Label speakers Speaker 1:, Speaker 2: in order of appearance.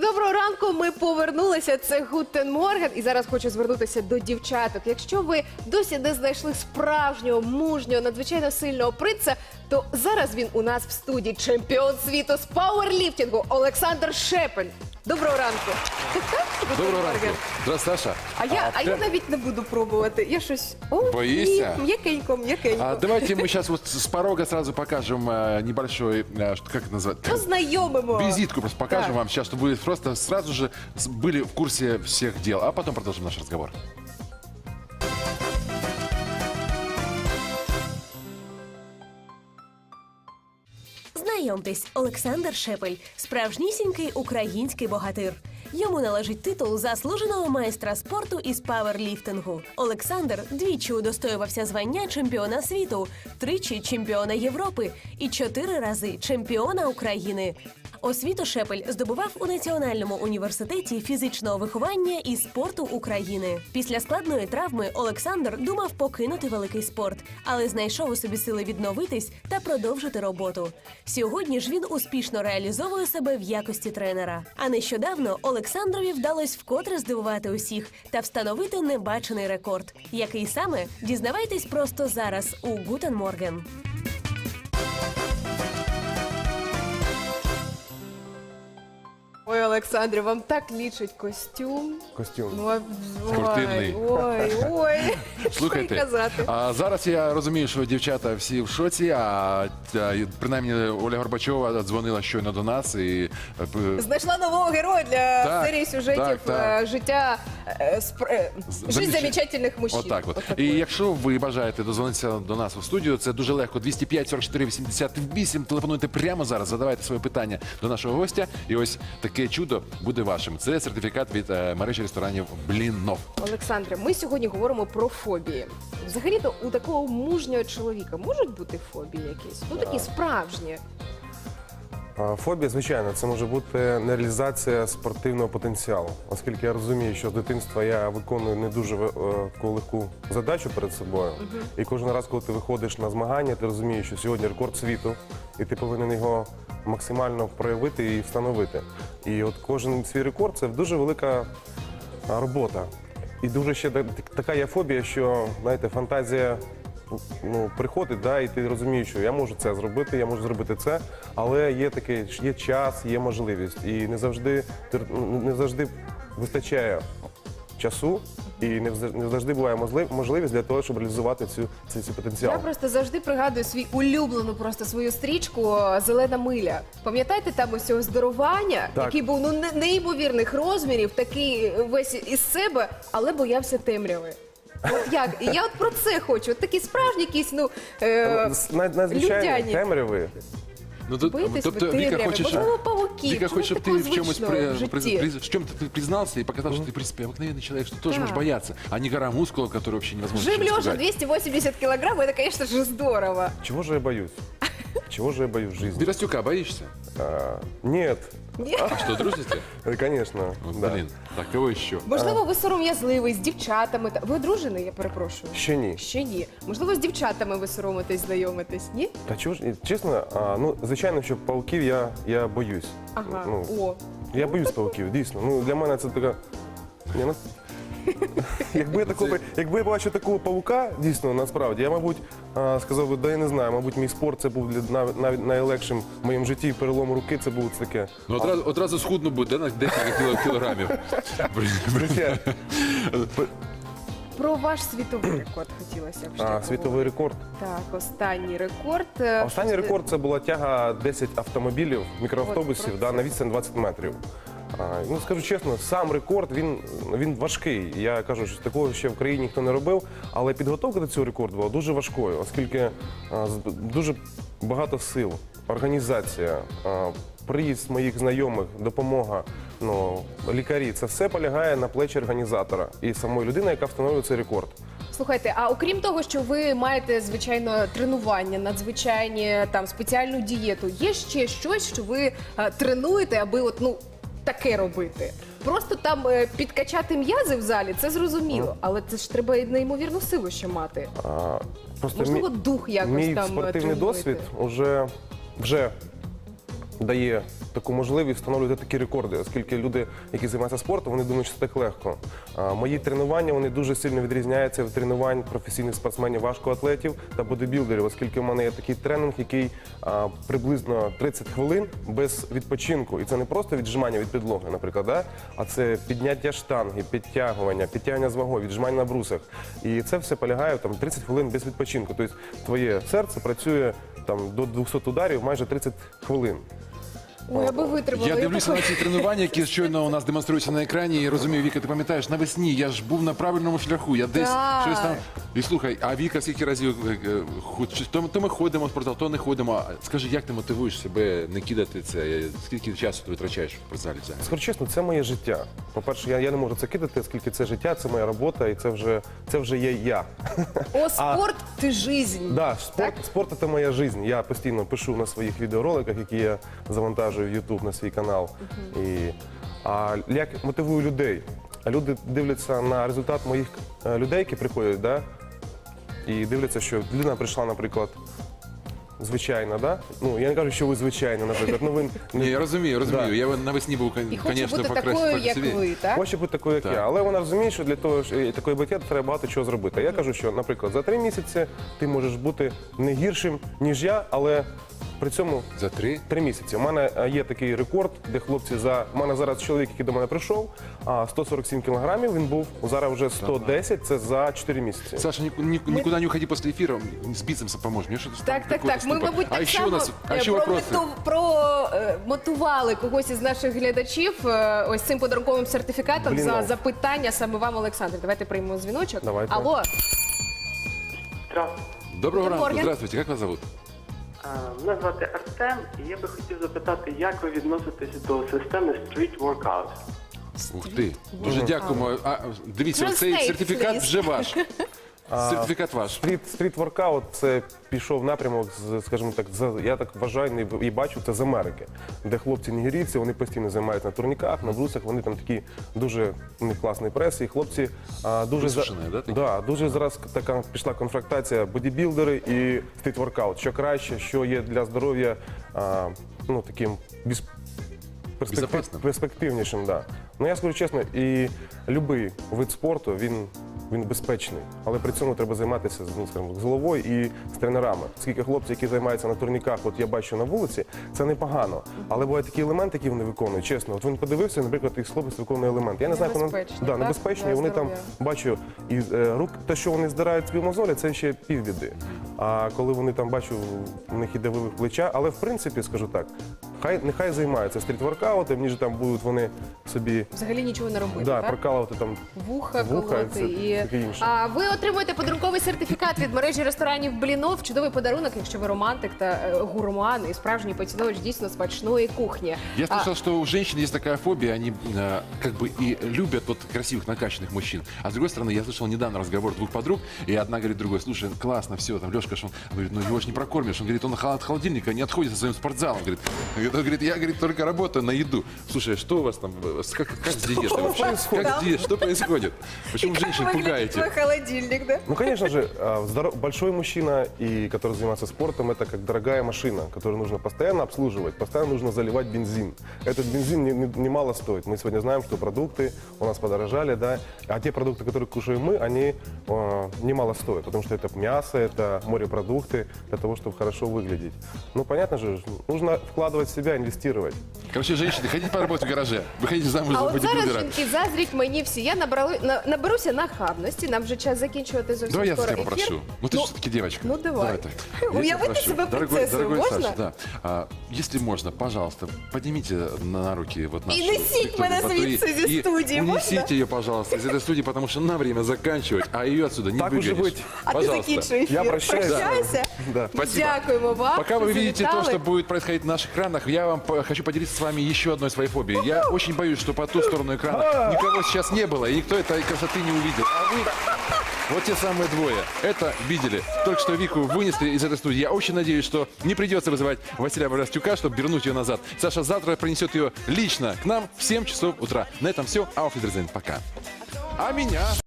Speaker 1: Доброго ранку, ми повернулися, це Гутен Морген. І зараз хочу звернутися до дівчаток. Якщо ви досі не знайшли справжнього, мужнього, надзвичайно сильного принца, то зараз він у нас в студії чемпіон світу з пауерліфтингу Олександр Шепель. Доброго ранку.
Speaker 2: Доброго ранку. Здравствуй, Саша.
Speaker 1: А я навіть не буду пробувати. Я щось...
Speaker 2: Боишься?
Speaker 1: М'якенько.
Speaker 2: Давайте мы сейчас вот с порога сразу покажем небольшой, как это назвать?
Speaker 1: Познайомимо.
Speaker 2: Визитку просто покажем
Speaker 1: Так.
Speaker 2: вам сейчас, чтобы вы просто сразу же были в курсе всех дел. А потом продолжим наш разговор.
Speaker 3: Знайомтесь, Олександр Шепель – справжнісінький український богатир. Йому належить титул заслуженого майстра спорту із пауерліфтингу. Олександр двічі удостоювався звання чемпіона світу, тричі чемпіона Європи і 4 рази чемпіона України. Освіту Шепель здобував у Національному університеті фізичного виховання і спорту України. Після складної травми Олександр думав покинути великий спорт, але знайшов у собі сили відновитись та продовжити роботу. Сьогодні ж він успішно реалізовує себе в якості тренера. А нещодавно Олександрові вдалось вкотре здивувати усіх та встановити небачений рекорд. Який саме? Дізнавайтесь просто зараз у Гутен Морген.
Speaker 1: Ой, Олександре, вам так лічить костюм.
Speaker 4: Костюм.
Speaker 1: Ну,
Speaker 2: Спортивний.
Speaker 1: Ой. Що й
Speaker 2: Слухайте,
Speaker 1: казати.
Speaker 2: зараз я розумію, що дівчата всі в шоці, принаймні Оля Горбачова дзвонила щойно до нас і
Speaker 1: Знайшла нового героя для
Speaker 2: Так,
Speaker 1: серії сюжетів
Speaker 2: так.
Speaker 1: «Життя Жизнь замечательних мужчин».
Speaker 2: Отак от. І якщо ви бажаєте дозвонитися до нас у студію, це дуже легко. 205 44 88. Телефонуйте прямо зараз, задавайте своє питання до нашого гостя. І ось таке чудо буде вашим. Це сертифікат від мережі ресторанів «Бліннов».
Speaker 1: Олександре, ми сьогодні говоримо про фобії. Взагалі-то у такого мужнього чоловіка можуть бути фобії якісь? Ну, такі справжні.
Speaker 4: Фобія, звичайно, це може бути нереалізація спортивного потенціалу. Оскільки я розумію, що з дитинства я виконую не дуже легку задачу перед собою. І кожен раз, коли ти виходиш на змагання, ти розумієш, що сьогодні рекорд світу, і ти повинен його максимально проявити і встановити. І от кожен свій рекорд – це дуже велика робота. І дуже ще така є фобія, що, знаєте, фантазія приходить, і ти розумієш, що я можу це зробити, я можу зробити це, але є час, є можливість. І не завжди вистачає часу, і не завжди буває можливість для того, щоб реалізувати цей потенціал.
Speaker 1: Я просто завжди пригадую свою стрічку «Зелена миля». Пам'ятаєте там ось цього здорування,
Speaker 4: Так.
Speaker 1: який був неймовірних розмірів, такий весь із себе, але боявся темряви. От як? І я от про це хочу. От такі справжні якісь,
Speaker 4: Надзвичайно
Speaker 1: людяні.
Speaker 4: темряви.
Speaker 1: Боїтесь ви темряви, можливо, павуків.
Speaker 2: Вика
Speaker 1: Чому
Speaker 2: хочет,
Speaker 1: такого
Speaker 2: чтобы ты в чемусь
Speaker 1: звичного в житті?
Speaker 2: в чем-то ты признался и показал, что ты, в принципе, обыкновенный человек, что тоже
Speaker 1: Да.
Speaker 2: можешь бояться, а не гора мускулов, которые вообще невозможно
Speaker 1: Жим
Speaker 2: ничем
Speaker 1: лежа
Speaker 2: испугать.
Speaker 1: 280 килограмм, это, конечно же, здорово.
Speaker 4: Чего же я боюсь? Чего же я боюсь в жизни?
Speaker 2: Беростюка боишься?
Speaker 4: Нет,
Speaker 2: А что, дружите?
Speaker 4: конечно.
Speaker 2: Вот,
Speaker 4: Да.
Speaker 2: блин, так кого еще?
Speaker 1: Можливо, ви сором'язливий з дівчатами. Ви одружений, я перепрошую?
Speaker 4: Ще ні.
Speaker 1: Ще ні. Можливо, з дівчатами ви соромитесь, знайомитесь, ні?
Speaker 4: Та чого ж, чесно, звичайно, що павуків я боюсь.
Speaker 1: Ага,
Speaker 4: Ну, Я боюсь павуків, дійсно. Для мене це така... Якби я бачив такого павука, дійсно, насправді, я, мабуть, сказав би, я не знаю, мабуть, мій спорт це був навіть найлегшим в моєму житті, перелом руки, це було таке.
Speaker 2: Ну, одразу схудно буде, на декілька кілограмів.
Speaker 4: Звичайно.
Speaker 1: Про ваш світовий рекорд хотілося б ще поговорити.
Speaker 4: Світовий рекорд.
Speaker 1: Так, останній рекорд.
Speaker 4: Останній рекорд це була тяга 10 автомобілів, мікроавтобусів на відстань 20 метрів. Скажу чесно, сам рекорд, він важкий. Я кажу, що такого ще в країні ніхто не робив, але підготовка до цього рекорду була дуже важкою, оскільки дуже багато сил, організація, приїзд моїх знайомих, допомога, лікарі, це все полягає на плечі організатора і самої людини, яка встановлює цей рекорд.
Speaker 1: Слухайте, а окрім того, що ви маєте, звичайно, тренування, надзвичайні, спеціальну дієту, є ще щось, що ви тренуєте, аби таке робити? Просто там підкачати м'язи в залі, це зрозуміло, але це ж треба і неймовірну силу ще мати. Можливо, дух якось
Speaker 4: мій
Speaker 1: там
Speaker 4: спортивний
Speaker 1: тренуєте?
Speaker 4: досвід вже дає таку можливість встановлювати такі рекорди, оскільки люди, які займаються спортом, вони думають, що це так легко. Мої тренування вони дуже сильно відрізняються від тренувань професійних спортсменів, важкоатлетів та бодибілдерів, оскільки в мене є такий тренінг, який приблизно 30 хвилин без відпочинку. І це не просто віджимання від підлоги, наприклад, да? А це підняття штанги, підтягування з вагою, віджимання на брусах. І це все полягає там 30 хвилин без відпочинку. Тобто твоє серце працює там до 200 ударів майже 30 хвилин.
Speaker 1: Ой, аби витримали.
Speaker 2: Я дивлюся на ці тренування, які щойно у нас демонструються на екрані, і розумію, Віка, ти пам'ятаєш, навесні я ж був на правильному шляху, я десь
Speaker 1: Так.
Speaker 2: щось там. І слухай, а Віка скільки разів то ми ходимо в спортзал, то не ходимо. Скажи, як ти мотивуєш себе не кидати це? Скільки часу ти витрачаєш в спортзалі взагалі?
Speaker 4: Скажу чесно, це моє життя. По-перше, я не можу це кидати, оскільки це життя, це моя робота, і це вже є я.
Speaker 1: О, спорт ти жизнь.
Speaker 4: Да, спорт – це моя життя. Я постійно пишу на своїх відеороликах, які я завантажую в YouTube на свій канал. А як мотивую людей? Люди дивляться на результат моїх людей, які приходять, да? І дивляться, що людина прийшла, наприклад, звичайно, да? Ну, я не кажу, що ви звичайно, наприклад. Ну, ви
Speaker 2: Ні, я розумію.
Speaker 4: Да.
Speaker 2: Я навесні був,
Speaker 1: І хоче
Speaker 2: звісно,
Speaker 1: бути такою, як ви, так?
Speaker 4: Хоче бути такою, як
Speaker 2: Так.
Speaker 4: я. Але вона розуміє, що для того, що такої бути треба багато чого зробити. Я кажу, що, наприклад, за 3 місяці ти можеш бути не гіршим, ніж я, але при цьому
Speaker 2: За 3?
Speaker 4: 3 місяці. У мене є такий рекорд, де хлопці у мене зараз чоловік, який до мене прийшов, 147 кілограмів, він був, зараз вже 110, це за 4 місяці.
Speaker 2: Саша, никуда не уходи после эфира, с бицепсом поможешь. Мне что-то
Speaker 1: Так. Ми, мабуть,
Speaker 2: А
Speaker 1: так
Speaker 2: еще
Speaker 1: само
Speaker 2: у нас, а еще вопросы.
Speaker 1: промотували когось із наших глядачів ось цим подарунковим сертифікатом
Speaker 4: Блін,
Speaker 1: за
Speaker 4: ну.
Speaker 1: запитання саме вам, Олександр. Давайте приймемо дзвіночок.
Speaker 4: Давайте.
Speaker 1: Алло,
Speaker 5: Здравствуйте.
Speaker 2: Доброго ранку,
Speaker 1: Морген.
Speaker 2: здравствуйте, как вас зовут?
Speaker 5: Мене звати Артем, і я би хотів запитати, як ви відноситесь до системи Street Workout?
Speaker 2: Ух ти, дуже дякуємо. Дивіться,
Speaker 1: Translate,
Speaker 2: цей сертифікат
Speaker 1: please.
Speaker 2: вже ваш. Сертифікат ваш.
Speaker 4: Стріт воркаут це пішов напрямок, скажімо так, я так вважаю і бачу, це з Америки, де хлопці нігерійці, вони постійно займаються на турніках, на брусах, вони там такі дуже у них класний прес, і хлопці дуже
Speaker 2: Висушені, да, такі?
Speaker 4: дуже зараз така пішла конфронтація бодібілдери і стріт воркаут. Що краще, що є для здоров'я, ну таким
Speaker 2: Безопасним.
Speaker 4: перспективнішим, да. Ну я скажу чесно, і будь-який вид спорту, він безпечний, але при цьому треба займатися ну, скажімо, з головою і з тренерами. Скільки хлопців, які займаються на турніках, от я бачу на вулиці, це непогано. Але бувають такі елементи, які вони виконують, чесно. От він подивився, наприклад, їх хлопець виконує елемент. Я не знаю,
Speaker 1: Небезпечні,
Speaker 4: да,
Speaker 1: так?
Speaker 4: небезпечні,
Speaker 1: Для
Speaker 4: і вони там
Speaker 1: здоров'я.
Speaker 4: бачу, і рук, те, що вони здирають свої мозолі, це ще півбіди. А коли вони там бачу, у них іде вивих плеча, але в принципі, скажу так, нехай займаються стріт-воркаутом, ніж там будуть вони собі
Speaker 1: взагалі нічого не робити,
Speaker 4: да,
Speaker 1: так?
Speaker 4: прокалувати там.
Speaker 1: Вуха
Speaker 4: Вуха,
Speaker 1: колоти.
Speaker 4: це таке інше.
Speaker 1: А ви отримуєте подарунковий сертифікат від мережі ресторанів Блінов. Чудовий подарунок, якщо ви романтик та гурман і справжній поціновувач дійсно смачної кухні.
Speaker 2: Я слышал, что у женщин есть такая фобия, они как бы и любят вот красивых, накачанных мужчин. А с другой стороны, я слышал недавно разговор двух подруг, и одна говорит другой, слушай, классно, все, там Лешка, он говорит, ну его ж не прокормишь. Он говорит, он от холодильника не отходит со своим спортзалом. Говорит, я говорит, только работаю на еду. Слушай, что у вас там, как с диетой вообще? Что происходит? Почему женщин пугаете?
Speaker 1: Холодильник, да?
Speaker 4: Ну, конечно же, большой мужчина, и который занимается спортом, это как дорогая машина, которую нужно постоянно обслуживать, постоянно нужно заливать бензин. Этот бензин немало стоит. Мы сегодня знаем, что продукты у нас подорожали, да, а те продукты, которые кушаем мы, они немало стоят, потому что это мясо, это морепродукты для того, чтобы хорошо выглядеть. Ну, понятно же, нужно вкладывать в себя, инвестировать.
Speaker 2: Короче, женщины, хотите поработать в гараже? Выходите замуж
Speaker 1: А
Speaker 2: за
Speaker 1: от зараз
Speaker 2: бодибилдера.
Speaker 1: жінки заздріть мені всі. Я наберуся нахабності. Нам вже час закінчувати зовсім
Speaker 2: Давай я
Speaker 1: скоро
Speaker 2: тебя
Speaker 1: ефір.
Speaker 2: попрошу. Ну ты же все-таки девочка.
Speaker 1: ну, давай.
Speaker 2: так. Я тебя
Speaker 1: Уявите
Speaker 2: прошу.
Speaker 1: себе принцессою,
Speaker 2: дорогой
Speaker 1: можно?
Speaker 2: Саша, да. Если можно, пожалуйста, поднимите на руки вот нашу
Speaker 1: несите
Speaker 2: Викторию
Speaker 1: меня
Speaker 2: Батури
Speaker 1: звідси зі
Speaker 2: и
Speaker 1: студії, можна?
Speaker 2: унесите ее, пожалуйста, из этой студии, потому что на время заканчивать, а ее отсюда не
Speaker 4: Так уже
Speaker 2: выгонишь.
Speaker 4: быть.
Speaker 1: А ти
Speaker 2: Пожалуйста.
Speaker 1: закінчуй ефір.
Speaker 4: Я прощаюсь.
Speaker 1: Прощайся.
Speaker 4: Да.
Speaker 2: Спасибо.
Speaker 1: Дякуємо вам.
Speaker 2: Пока вы
Speaker 1: що
Speaker 2: видите то,
Speaker 1: завітали.
Speaker 2: что будет происходить на наших экранах, я вам хочу поделиться с вами еще одной своей фобией. Я очень боюсь, что по ту сторону экрана никого сейчас не было, и никто этой красоты не увидел. А вы, вот те самые двое, это видели. Только что Вику вынесли из этой студии. Я очень надеюсь, что не придется вызывать Василия Боростюка, чтобы вернуть ее назад. Саша завтра принесет ее лично к нам в 7 часов утра. На этом все. Auf Wiedersehen. Пока. А меня...